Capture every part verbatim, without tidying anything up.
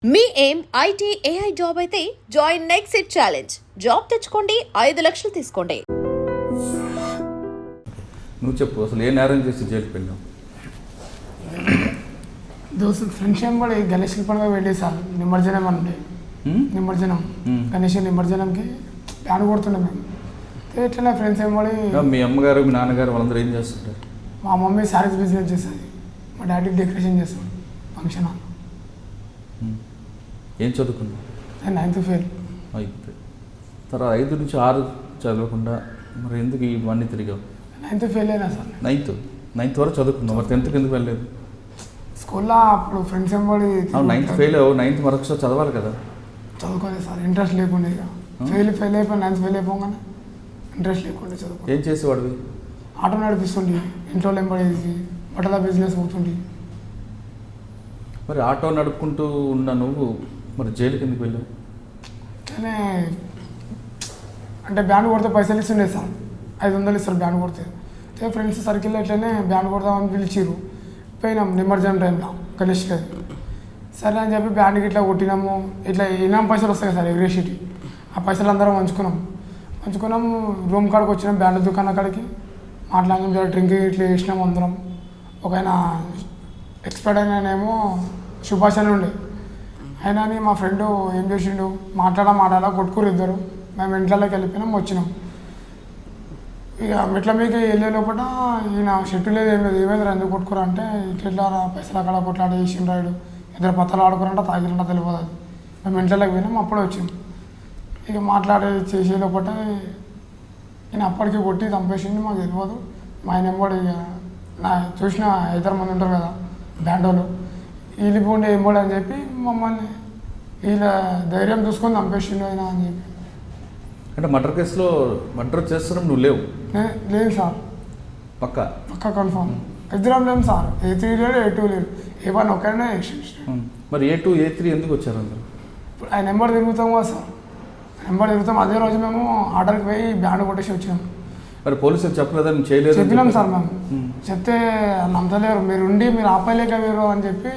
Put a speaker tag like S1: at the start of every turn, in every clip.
S1: మీ ఏం IT AI job అయితే join next it challenge. Job తెచ్చుకోండి, ఐదు లక్షలు తీసుకోండి.
S2: నువ్వు చెప్పు, అసలు ఏ నేరం చేసి జైలుకి వెళ్ళావు?
S3: దోస్తు ఫ్రెండ్స్ ఏం కూడా గణేష్ పండుగ వెళ్ళేసారు. నిమజ్జనం అంటే నిమజ్జనం గణేష్ నిమజ్జనంకి ప్యాన్ కొడుతున్నాం మేము. ఎట్లా ఫ్రెండ్స్ ఏం పడి
S2: మీ అమ్మగారు మీ నాన్నగారు వాళ్ళందరూ ఏం చేస్తుంటారు?
S3: మా మమ్మీ శారీస్ బిజినెస్ చేస్తుంది, మా డాడీ డెకరేషన్ చేస్తాడు ఫంక్షన్ హాల్.
S2: ఏం చదువుకున్నావు?
S3: నేను నైన్త్ ఫెయిల్.
S2: అయితే తర్వాత ఐదు నుంచి ఆరు చదవకుండా మరి ఎందుకు ఇవన్నీ తిరిగావు?
S3: నైన్త్ ఫెయిల్ అయినా సార్.
S2: నైన్త్ నైన్త్ వరకు చదువుకున్నావు, మరి టెన్త్కి ఎందుకు వెళ్ళలేదు?
S3: స్కూల్లో అప్పుడు ఫ్రెండ్స్ ఏం పడి
S2: నైన్త్ ఫెయిల్ అవ్వు, నైన్త్ మరొకసారి చదవాలి కదా.
S3: చదువుకోలేదు సార్, ఇంట్రెస్ట్ లేకుండా. ఇక ఫెయిల్ ఫెయిల్ అయిపోయి నైన్త్ ఫెయిల్ అయిపోగానే ఇంట్రెస్ట్ లేకుండా చదువుకో.
S2: ఏం చేసేవాడివి?
S3: ఆటో నడిపిస్తుండి, ఇంట్లో ఎంబడేసి బట్టల బిజినెస్ అవుతుండి.
S2: మరి ఆటో నడుపుకుంటూ ఉన్న నువ్వు మరి జైలుకి ఎందుకు వెళ్ళావు?
S3: కానీ అంటే బ్యాండ్ కొడితే పైసలు ఇస్తుండే సార్, ఐదు వందలు ఇస్తారు బ్యాండ్ కొడితే. ఫ్రెండ్స్ సర్కిల్లో ఇట్లనే బ్యాండ్ కొడదామని పిలిచిరు. పోయినాం నిమజ్జనం టైంలో గణేష్ లేదు. సరే అని చెప్పి బ్యాండ్కి ఇట్లా కొట్టినాము. ఇట్లా ఇనాం పైసలు వస్తాయి సార్ ఎగ్రేషిటీ, ఆ పైసలు అందరం పంచుకున్నాం. పంచుకున్నాం రూమ్ కాడికి వచ్చినాం, బ్యాండ్ దుకాణం కాడికి మాట్లాడినాం. జర డ్రింక్ ఇట్లా వేసినాం అందరం. ఒక ఆయన ఎక్స్పర్ట్ అయినానేమో సుభాష్ అని ఉండే అయినా అని మా ఫ్రెండ్ ఏం చేసిండు, మాట్లాడా మాట్లాడా కొట్టుకురు ఇద్దరు. మేము ఇంట్లోకి వెళ్ళిపోయినాం, వచ్చినాం. ఇక మెట్ల మీకు వెళ్ళే లోపల ఈయన షెట్టు లేదు, ఏం లేదు. ఏమైంది ఎందుకు కొట్టుకురా అంటే ఇట్లా పైసలు అక్కడ కొట్లాడి వేసిన రాయుడు ఇద్దరు పత్తలు ఆడుకురంట, తాగిరంట తెలియదు. అది మేము ఇంట్లోకి పోయినాం, అప్పుడే వచ్చినాం. ఇక మాట్లాడి చేసే లోపల ఈయన అప్పటికి కొట్టి చంపేసింది, మాకు తెలియదు. మా ఆయన ఎంబడి ఇక నా చూసిన ఇద్దరు మంది ఉంటారు కదా బ్యాండ్ వాళ్ళు, వీళ్ళిపోండి ఎంబడి అని చెప్పి మమ్మల్ని వీళ్ళ ధైర్యం చూసుకొని చంపేసిండు ఆయన అని చెప్పి.
S2: అంటే మర్డర్ కేసులో మర్డర్ చేస్తున్నాం నువ్వు లేవు?
S3: లేదు సార్,
S2: పక్క
S3: పక్క కన్ఫర్మ్. ఇద్దరం లేము సార్, ఏ త్రీ లేడు ఏ టూ లేడు, ఏ వన్ ఒకనే.
S2: మరి ఏ టూ ఏ త్రీ ఎందుకు వచ్చారు అందరు?
S3: ఇప్పుడు ఆయన నెంబర్ తిరుగుతాం కదా సార్, నెంబర్ తిరుగుతాం. అదే రోజు మేము ఆర్డర్కి పోయి బ్యాండ్ కొట్టేసి వచ్చినాం.
S2: మరి పోలీసులు చెప్పలేదా? మేము చేయలేదు
S3: చెప్పినాం సార్. మేము చెప్తే నమ్మలేరు, మీరు ఉండి మీరు ఆపలేక మీరు అని చెప్పి,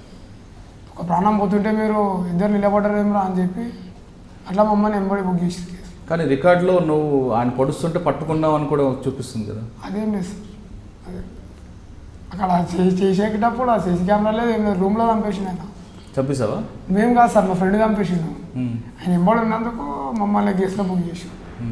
S3: ఒక ప్రాణం పోతుంటే మీరు ఇద్దరు నిలబడ్డారేమరా అని చెప్పి అట్లా మమ్మల్ని ఎంబడి బుక్ చేసి.
S2: కానీ రికార్డులో నువ్వు ఆయన పొడుస్తుంటే పట్టుకున్నావు అని కూడా చూపిస్తుంది కదా.
S3: అదేం లేదు సార్, అదే అక్కడ చేసేటప్పుడు ఆ సీసీ కెమెరా లేదు, ఏం లేదు. రూమ్లో చంపేసిండు ఆయన.
S2: చంపేసావా? మేము
S3: కాదు సార్, మా ఫ్రెండ్ చంపేసిండు. ఆయన ఎంబడి ఉన్నందుకు మమ్మల్ని కేసులో బుక్ చేసి.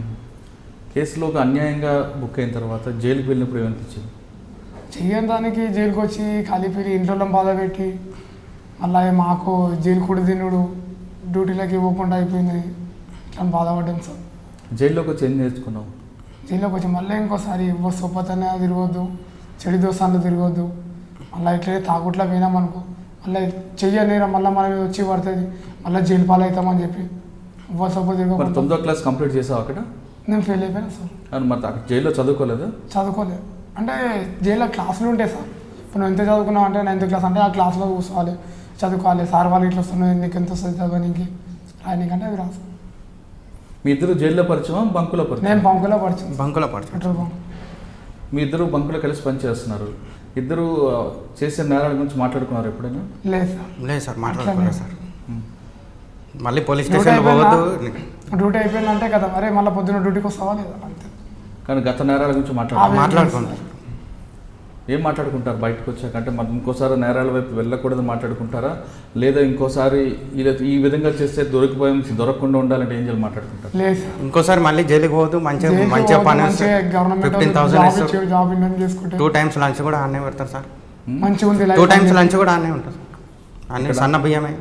S2: కేసులోకి అన్యాయంగా బుక్ అయిన తర్వాత జైలుకి వెళ్ళినప్పుడు ఏమనిపించింది?
S3: చెయ్యని దానికి జైలుకి వచ్చి ఖాళీపీరి ఇంట్లో బాధ పెట్టి మళ్ళీ మాకు జైలు కూడా తినుడు, డ్యూటీలోకి ఇవ్వకుండా అయిపోయింది, ఇట్లా బాధపడ్డాం సార్.
S2: జైల్లోకి వచ్చి ఏం నేర్చుకున్నావు?
S3: జైల్లోకి వచ్చి మళ్ళీ ఇంకోసారి ఎవరు సొప్పతనే తిరగొద్దు, చెడు దోసాలు తిరగొద్దు. మళ్ళీ ఇట్లే తాగుట్లా పోయినామనుకో మళ్ళీ చెయ్యలేరా, మళ్ళీ మనం వచ్చి పడుతుంది, మళ్ళీ జైలు పాలు అవుతామని చెప్పి ఎవరు సొప్ప తిరగదు.
S2: తొమ్మిదో క్లాస్ కంప్లీట్ చేసావు అక్కడ?
S3: నేను ఫెయిల్ అయిపోయాను సార్.
S2: మరి అక్కడ జైల్లో చదువుకోలేదు?
S3: చదువుకోలేదు. అంటే జైల్లో క్లాసులు ఉంటాయి సార్. ఇప్పుడు నువ్వు ఎంత చదువుకున్నావు అంటే నైన్త్ క్లాస్ అంటే ఆ క్లాస్లో కూర్చోవాలి, చదువుకోవాలి. సార్ వాళ్ళు ఇట్లా వస్తున్నాయి, నీకు ఎంత వస్తుంది చదవడానికి రాయడానికి అంటే అది రాదు.
S2: మీ ఇద్దరు జైల్లో పరిచయం బంకులో పరిచయం?
S3: నేను బంకులో పరిచయం.
S4: బంకులో పరిచయం.
S3: Petrol bunk.
S2: మీ ఇద్దరు బంకులో కలిసి పనిచేస్తున్నారు. ఇద్దరు చేసే నేరాల గురించి మాట్లాడుకున్నారు ఎప్పుడైనా?
S3: లేదు సార్.
S4: లేదు సార్, మాట్లాడుకున్నారు సార్. మళ్ళీ పోలీస్ స్టేషన్ పోవద్దు,
S3: డ్యూటీ అయిపోయిందంటే కదా మరి మళ్ళీ పొద్దున్న డ్యూటీకి వస్తావా లేదా అంతే.
S2: కానీ గత నేరాల గురించి మాట్లాడు
S4: మాట్లాడుకుంటారు.
S2: ఏం మాట్లాడుకుంటారు బయటకు వచ్చాక? అంటే మరి ఇంకోసారి నేరాల వైపు వెళ్ళకూడదు మాట్లాడుకుంటారా, లేదా ఇంకోసారి ఈ విధంగా చేస్తే దొరికిపోయాం దొరకకుండా ఉండాలంటే ఏం చేయాలి మాట్లాడుకుంటారు?
S3: లేదు,
S4: ఇంకోసారి మళ్ళీ జైలుకి పోదు, మంచిగా మంచిగా పని fifteen thousand
S3: job
S4: two times lunch కూడా ఆనే పెడతారు సార్.
S3: మంచిగా ఉంది,
S4: టూ టైమ్స్ లంచ్ కూడా ఆనే ఉంటుంది. అన్ని సన్న బియ్యమే.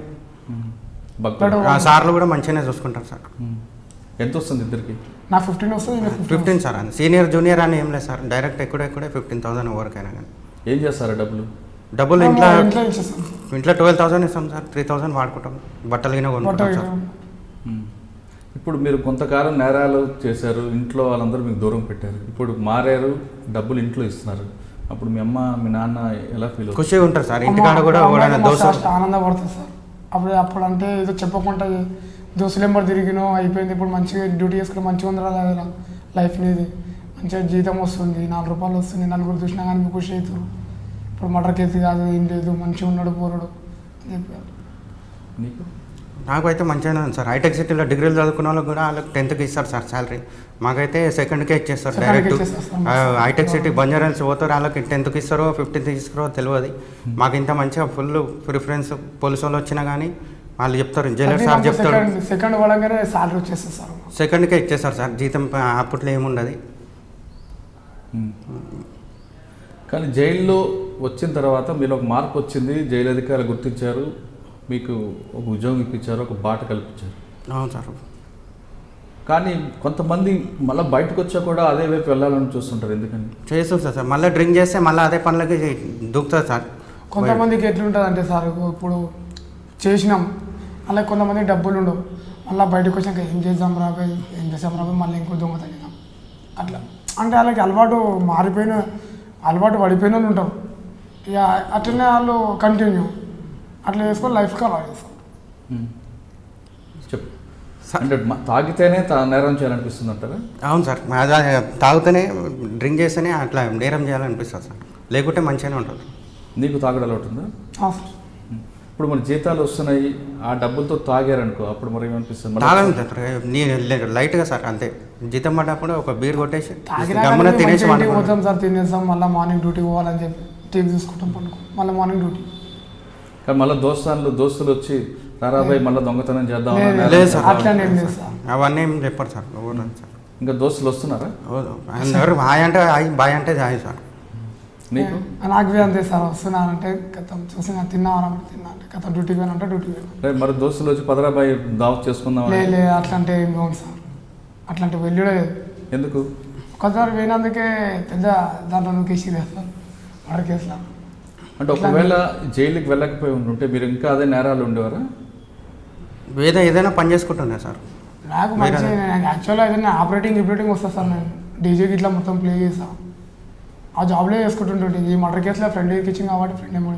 S4: సార్లు కూడా మంచిగానే చూసుకుంటారు సార్.
S2: ఎంత వస్తుంది ఇద్దరికి?
S3: నా ఫిఫ్టీన్ వస్తుంది.
S4: ఫిఫ్టీన్ సార్, అని సీనియర్ జూనియర్ అని ఏం లేదు సార్, డైరెక్ట్ ఎక్కడే ఎక్కడే ఫిఫ్టీన్ థౌసండ్ ఎవరికైనా. కానీ
S2: ఏం చేస్తారా డబ్బులు?
S4: డబ్బులు ఇంట్లో ఇంట్లో ట్వెల్వ్ థౌసండ్ ఇస్తాం సార్, త్రీ థౌసండ్ వాడుకుంటాం, బట్టలు గిన కొనుక్కుంటాం సార్.
S2: ఇప్పుడు మీరు కొంతకాలం నేరాలు చేశారు, ఇంట్లో వాళ్ళందరూ మీకు దూరం పెట్టారు, ఇప్పుడు మారారు, డబ్బులు ఇంట్లో ఇస్తున్నారు. అప్పుడు మీ అమ్మ మీ నాన్న ఎలా ఫీల్ అవుతారు?
S4: ఖుషిగా ఉంటారు సార్. ఇంటికాడ కూడా దోశ
S3: ఆనందపడుతుంది సార్. అప్పుడు అప్పుడు అంటే ఏదో చెప్పకుండా దోస్తులు ఎంబడి తిరిగినో అయిపోయింది. ఇప్పుడు మంచిగా డ్యూటీ చేసుకుని మంచిగా ఉందిరా లైఫ్ అనేది, మంచిగా జీతం వస్తుంది, నాలుగు రూపాయలు వస్తుంది, నలుగురు చూసినా కానీ మీకు ఖుషి అవుతారు. ఇప్పుడు మటర్ కేసు కాదు, ఏం లేదు, మంచిగా ఉన్నాడు పోరుడు అని చెప్పారు.
S2: నీకు?
S4: నాకు అయితే మంచిగానే ఉంది సార్. హైటెక్ సిటీలో డిగ్రీలు చదువుకున్న వాళ్ళకి కూడా వాళ్ళకి టెన్త్కి ఇస్తారు సార్ శాలరీ. మాకైతే సెకండ్కే ఇచ్చేస్తారు
S3: Second కే
S4: డైరెక్ట్.
S3: ఇచ్చేస్తారు.
S4: ఆ, హైటెక్ సిటీ బంజారాల్స్ పోతారు, వాళ్ళకి టెన్త్కి ఇస్తారో ఫిఫ్టీన్త్కి ఇస్తారో తెలియదు. మాకు ఇంత మంచిగా ఫుల్ ప్రిఫరెన్స్ పోలీసు వాళ్ళు వచ్చినా కానీ వాళ్ళు చెప్తారు, జైలర్ సార్ చెప్తారు
S3: సెకండ్ సెకండ్ పడంగానే సాలరీ వచ్చేస్తుంది సార్.
S4: సెకండ్కే ఇచ్చేస్తారు సార్. జీతం ప- అప్పట్లో ఏముండదు.
S2: ఉమ్. కానీ జైల్లో వచ్చిన తర్వాత మీరు ఒక మార్పు వచ్చింది, జైలు అధికారులు గుర్తించారు, మీకు ఒక ఉద్యోగం ఇప్పించారు, ఒక బాట కల్పించారు.
S4: అవును సార్.
S2: కానీ కొంతమంది మళ్ళీ బయటకు వచ్చా కూడా అదే వైపు వెళ్ళాలని చూస్తుంటారు, ఎందుకని?
S4: చేస్తుంటారు సార్. మళ్ళీ డ్రింక్ చేస్తే మళ్ళీ అదే పనులకి దూకుతుంది సార్.
S3: కొంతమందికి ఎట్లుంటుంది అంటే సార్, ఇప్పుడు చేసినాం అలా కొంతమందికి డబ్బులు ఉండవు, మళ్ళీ బయటకు వచ్చాక ఏం చేద్దాం రాబోయ్ ఏం చేద్దాం రాబోయ్ మళ్ళీ ఇంకో దొంగ తగ్గినాం అట్లా. అంటే వాళ్ళకి అలవాటు మారిపోయిన అలవాటు పడిపోయిన వాళ్ళు ఉంటారు, ఇక అట్లనే వాళ్ళు కంటిన్యూ అట్లా చేసుకొని లైఫ్కి అలా చేస్తారు.
S2: ఉమ్. చెప్పు. అంటే మ- తాగితేనే తా- నేరం చేయాలనిపిస్తుంది అంటారా?
S4: అవును సార్. అదే తాగుతూనే డ్రింక్ చేస్తేనే అట్లా నేరం చేయాలనిపిస్తుంది సార్, లేకుంటే మంచిగానే ఉంటుంది.
S2: నీకు తాగడం అలవాటు ఉందా?
S3: ఆ సార్.
S2: ఉమ్. ఇప్పుడు మన జీతాలు వస్తున్నాయి, ఆ డబ్బులతో తాగారనుకో, అప్పుడు మరి ఏమనిపిస్తుంది? మళ్ళీ-
S4: తాగను సార్, నేను లైట్గా సార్ అంతే. జీతం పడ్డప్పుడు ఒక బీర్ కొట్టేసి
S3: తాగినా
S4: గమ్మున
S3: కానీ
S4: తినేసి
S3: మంచిగా ఇంటికి
S4: వండుకుంటాం.
S3: పోతాం సార్, తినేస్తాం మళ్ళీ మార్నింగ్ డ్యూటీ పోవాలని చెప్పి టీవీ చూసుకుంటాం పండుకో మళ్ళీ మార్నింగ్ డ్యూటీ.
S2: కానీ మళ్ళీ దోస్తాన్లు దోస్తులు వచ్చి రారాబాయ్ మళ్ళీ దొంగతనం చేద్దాం
S3: లేదు,
S2: అన్న
S3: లేదు
S4: లేదు
S2: నేరం
S4: సార్.
S2: చేద్దాం
S3: అట్లా
S2: అని.
S3: ఏం లేదు సార్.
S4: అవన్నీ ఏం చెప్పారు సార్. ఎవరు రాదు సార్.
S2: ఇంకా దోస్తులు వస్తున్నారా
S4: ఎవరు హాయ్ అంటే హాయ్, బాయ్ అంటే హాయ్ సార్.
S2: నీకు?
S3: నాకు బి అంతే సార్, వస్తున్నానంటే కథం చూసిన తిన్నామని తిన్నా అంటే కథ డ్యూటీ పోయినంటే డ్యూటీ పోయినా.
S2: రేపు మరి దోస్తులు వచ్చి పదరాబాయ్ దావత్ చేసుకుందాం
S3: లే
S2: అని.
S3: లే అట్లాంటి ఏం కాదు సార్, అట్లాంటి వెళ్ళుడే లేదు.
S2: ఎందుకు?
S3: ఒకసారి పోయినందుకే పెద్ద దాంట్లో నూకేసి సార్ మర్డర్ కేసులో.
S2: అంటే ఒకవేళ జైలుకి వెళ్ళకపోయి ఉంటే మీరు ఇంకా అదే నేరాలు ఉండేవారా?
S4: ఏదో ఏదైనా పని చేసుకుంటున్నా సార్.
S3: నాకు మంచి యాక్చువల్గా ఏదైనా ఆపరేటింగ్ గిపరేటింగ్ వస్తుంది సార్, నేను డీజేకి ఇట్లా మొత్తం ప్లే చేస్తాను, ఆ జాబ్లో చేసుకుంటుంటే ఈ మర్డర్ కేసులో ఫ్రెండ్ ఇచ్చింది కాబట్టి ఫ్రెండ్ ఏమో.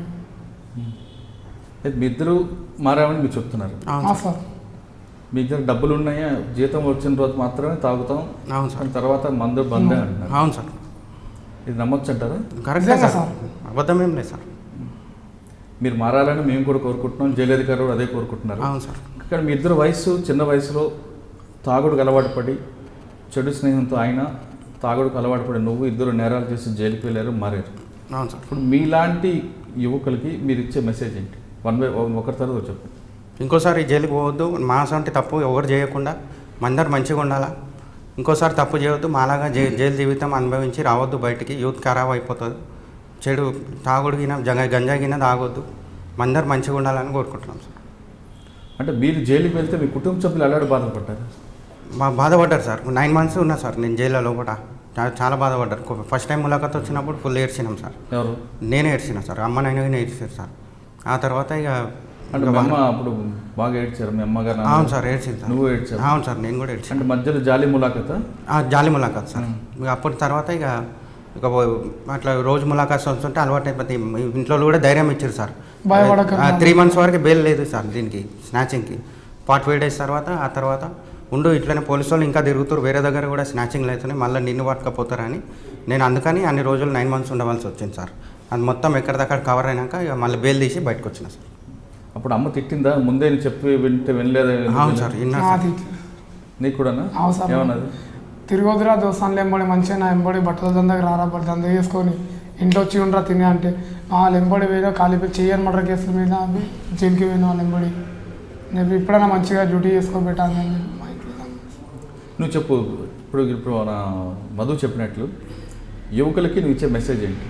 S2: అయితే మీ ఇద్దరు మారామని మీరు చెప్తున్నారు.
S4: అవును సార్.
S3: సార్
S2: మీ ఇద్దరు డబ్బులు ఉన్నాయా? జీతం వచ్చిన రోజు మాత్రమే తాగుతాం,
S4: అవును సార్.
S2: దాని తర్వాత మందు బందే అంటున్నారు.
S4: అవును సార్.
S2: ఇది నమ్మొచ్చు అంటారా?
S4: కరెక్టే
S3: నిజంగా
S4: సార్, అబద్ధం ఏం లేదు సార్.
S2: మీరు మారాలని మేము కూడా కోరుకుంటున్నాం, జైలు అధికారులు అదే కోరుకుంటున్నారు.
S4: అవును సార్.
S2: కానీ మీ ఇద్దరు వయసు చిన్న వయసులో తాగుడుకు అలవాటు పడి చెడు స్నేహంతో ఆయన తాగుడుకు అలవాటు పడి నువ్వు ఇద్దరు నేరాలు చేసి జైలుకి వెళ్ళారు, మారారు.
S4: అవును సార్.
S2: ఇప్పుడు మీలాంటి యువకులకి మీరు ఇచ్చే మెసేజ్ ఏంటి? వన్ బై ఒకరి తర్వాత చెప్పండి.
S4: ఇంకోసారి జైలుకి పోవద్దు, మాసంటి తప్పు ఎవరు చేయకుండా అందరు మంచిగా ఉండాలా. ఇంకోసారి తప్పు చేయవద్దు, మాలాగా జై జైలు జీవితం అనుభవించి రావద్దు బయటికి. యూత్ ఖరాబ్ అయిపోతుంది. చెడు తాగుడుగిన జగ గంజాగిన తాగొద్దు, అందరు మంచిగా ఉండాలని కోరుకుంటున్నాం సార్.
S2: అంటే మీరు జైలుకి వెళ్తే మీ కుటుంబ సభ్యులు అలాంటి బాధపడ్డారు?
S4: మా బాధపడ్డారు సార్. నైన్ మంత్స్ ఉన్నా సార్ నేను జైల్లో లోపల. చా- చాలా బాధపడ్డారు. ఫస్ట్ టైం ములాఖత్ వచ్చినప్పుడు ఫుల్ ఏడ్చినాం సార్.
S2: ఎవరు?
S4: నేనే ఏడ్చిన సార్, అమ్మ నాయన ఏడ్చారు సార్. ఆ తర్వాత ఇక
S2: అంటే మీ అమ్మ అప్పుడు బాగా ఏడ్చారు, మీ అమ్మగారు?
S4: అవును సార్, ఏడ్చింది సార్.
S2: నువ్వు ఏడ్చావు?
S4: అవును సార్, నేను కూడా ఏడ్చాను.
S2: అంటే మధ్యలో జాలి ములాఖత?
S4: ఆ, జాలి ములాఖాత్ సార్.
S2: మ్మ్.
S4: ఇక అప్పటి తర్వాత ఇక ఇక పో- అట్లా రోజు ములాఖాత్ వస్తుంటే అలవాటు అయిపోతే ఇంట్లో కూడా ధైర్యం ఇచ్చారు సార్.
S3: భయపడకండి.
S4: త్రీ మంత్స్ వరకు బెయిల్ లేదు సార్ దీనికి, స్నాచింగ్కి. ఫార్టీ ఫైవ్ డేస్ తర్వాత ఆ తర్వాత ఉండు ఇట్లనే పోలీసు వాళ్ళు ఇంకా తిరుగుతారు, వేరే దగ్గర కూడా స్నాచింగ్లు అవుతున్నాయి, మళ్ళీ నిన్ను పట్టుకపోతారని నేను అందుకని అన్ని రోజులు నైన్ మంత్స్ ఉండవలసి వచ్చింది సార్. అది మొత్తం ఎక్కడిదక్కడ కవర్ అయినాక ఇక మళ్ళీ బెయిల్ తీసి బయటకు వచ్చిన సార్.
S2: అప్పుడు అమ్మ తిట్టిందా? ముందే నేను చెప్పి వింటే వినలేదా?
S4: అవును సార్, విన్నా సార్.
S3: అది
S2: నీకు కూడానా?
S3: అవును సార్.
S2: ఏమన్నది?
S3: తిరగొద్దురా దోస్తాన్లు ఎంబడి మంచిగా నా ఎంబడి బట్టల దందాకి రారా, బట్టి దందా చేసుకొని ఇంట్లో వచ్చి ఉండరా తినే అంటే వాళ్ళు ఎంబడి పోయినా కాలిపోయి చెయ్యని మర్డర్ కేసుల మీద అవి జైలుకి పోయిన వాళ్ళు ఎంబడి నేను ఇప్పుడైనా మంచిగా డ్యూటీ చేసుకొని పెట్టాను అని మా ఇంట్లో
S2: నువ్వు చెప్పు. ఇప్పుడు ఇప్పుడు మన మధు చెప్పినట్లు యువకులకి నువ్వు ఇచ్చే మెసేజ్ ఏంటి?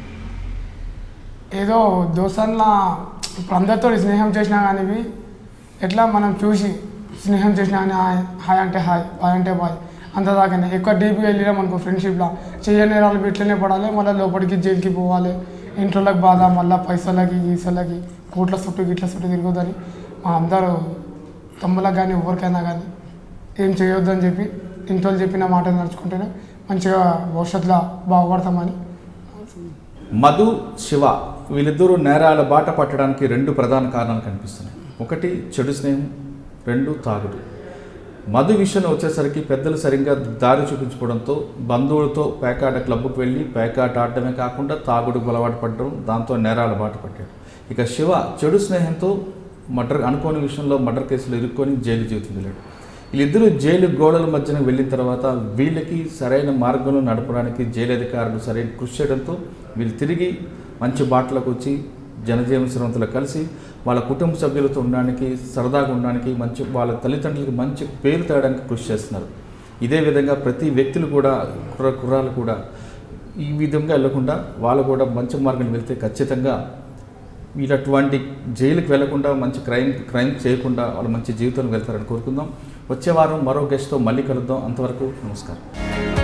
S3: ఏదో దోస్తాన్లా ఇప్పుడు అందరితో స్నేహం చేసినా కానీ ఇవి ఎట్లా మనం చూసి స్నేహం చేసినా కానీ హాయ్ హాయ్ అంటే హాయ్ బాయ్ అంటే బాయ్ అంతదాకానే. ఎక్కువ డీప్గా వెళ్ళినాం అనుకో ఫ్రెండ్షిప్లో చేయని వాళ్ళు ఇట్లనే పడాలి, మళ్ళీ లోపలికి జైలుకి పోవాలి, ఇంట్లోకి బాధ, మళ్ళీ పైసలకి గీసలకి కోట్ల చుట్టూ గిట్ల చుట్టూ తిరగొద్దని మా అందరూ తమ్ములకు కానీ ఎవరికైనా కానీ ఏం చేయొద్దని చెప్పి ఇంట్లో చెప్పిన మాట నడుచుకుంటేనే మంచిగా భవిష్యత్తులో బాగుపడతామని.
S2: మధు, శివ వీళ్ళిద్దరూ నేరాల బాట పట్టడానికి రెండు ప్రధాన కారణాలు కనిపిస్తున్నాయి. ఒకటి చెడు స్నేహం, రెండు తాగుడు. మధు విషయంలో వచ్చేసరికి పెద్దలు సరిగ్గా దారి చూపించుకోవడంతో బంధువులతో పేకాట క్లబ్కు వెళ్ళి పేకాట ఆడటమే కాకుండా తాగుడుకు అలవాటు పడడం, దాంతో నేరాల బాట పట్టాడు. ఇక శివ చెడు స్నేహంతో మర్డర్ అనుకోని విషయంలో మర్డర్ కేసులో ఇరుక్కొని జైలు జీవితం వెళ్ళాడు. వీళ్ళిద్దరూ జైలు గోడల మధ్యన వెళ్ళిన తర్వాత వీళ్ళకి సరైన మార్గంలో నడపడానికి జైలు అధికారులు సరైన కృషి చేయడంతో వీళ్ళు తిరిగి మంచి బాటలకు వచ్చి జనజీవన శ్రమంతో కలిసి వాళ్ళ కుటుంబ సభ్యులతో ఉండడానికి, సరదాగా ఉండడానికి, మంచి వాళ్ళ తల్లిదండ్రులకి మంచి పేరు తేయడానికి కృషి చేస్తున్నారు. ఇదే విధంగా ప్రతి వ్యక్తులు కూడా కుర్ర కుర్రాలు కూడా ఈ విధంగా వెళ్ళకుండా వాళ్ళు కూడా మంచి మార్గం వెళ్తే ఖచ్చితంగా వీళ్ళటువంటి జైలుకి వెళ్లకుండా మంచి క్రైమ్ క్రైమ్ చేయకుండా వాళ్ళు మంచి జీవితంలో వెళ్తారని కోరుకుందాం. వచ్చే వారం మరో గెస్ట్తో మళ్ళీ కలుద్దాం. అంతవరకు నమస్కారం.